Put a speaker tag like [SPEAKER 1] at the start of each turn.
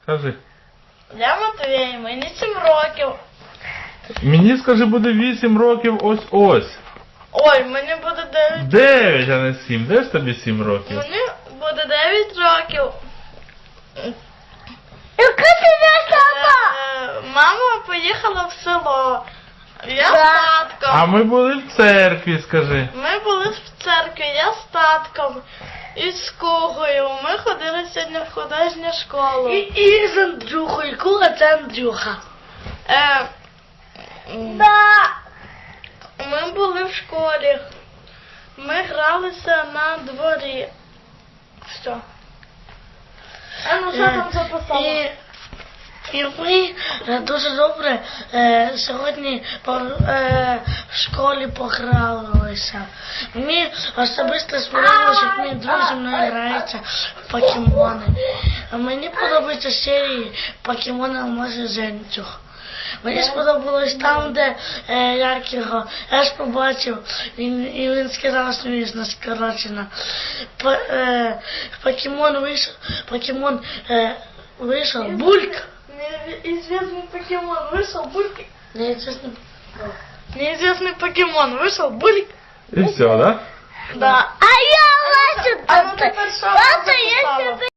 [SPEAKER 1] Скажи.
[SPEAKER 2] Я Матвій, мені 7 років.
[SPEAKER 1] Мені, скажи, буде 8 років ось-ось.
[SPEAKER 2] Ой, мені буде 9.
[SPEAKER 1] 9, а не 7. Де ж тобі 7 років?
[SPEAKER 2] Мені буде 9 років.
[SPEAKER 3] Яка тебе сама?
[SPEAKER 2] Мама поїхала в село. Я з
[SPEAKER 1] А
[SPEAKER 2] татком.
[SPEAKER 1] ми були в церкві, скажи.
[SPEAKER 2] Ми були в церкві, я з татком. І з Кугою. Ми ходили сьогодні в художню школу.
[SPEAKER 3] І з Андрюхою. Куга це Андрюха. Да.
[SPEAKER 2] Ми були в школі. Ми гралися на дворі. Що? Ну що там записала?
[SPEAKER 3] І ми дуже добре сьогодні в школі погралися. Мені особисто сподобалося, як мої друзі мною граються в покемони. А мені подобаються серії покемони Алмази Жемчуг. Мені сподобалось там, де Яркіго. Я ж побачив, і він сказав, смішно, скорочено. Покемон вийшов, Бульк.
[SPEAKER 2] Неизвестный покемон вышел, Бульк.
[SPEAKER 3] Неизвестный.
[SPEAKER 2] Неизвестный покемон вышел, Бульк.
[SPEAKER 1] І все, да?
[SPEAKER 2] Да.
[SPEAKER 3] А я бачу,
[SPEAKER 2] А ну тепер що вона
[SPEAKER 3] я
[SPEAKER 2] записала?
[SPEAKER 3] сюди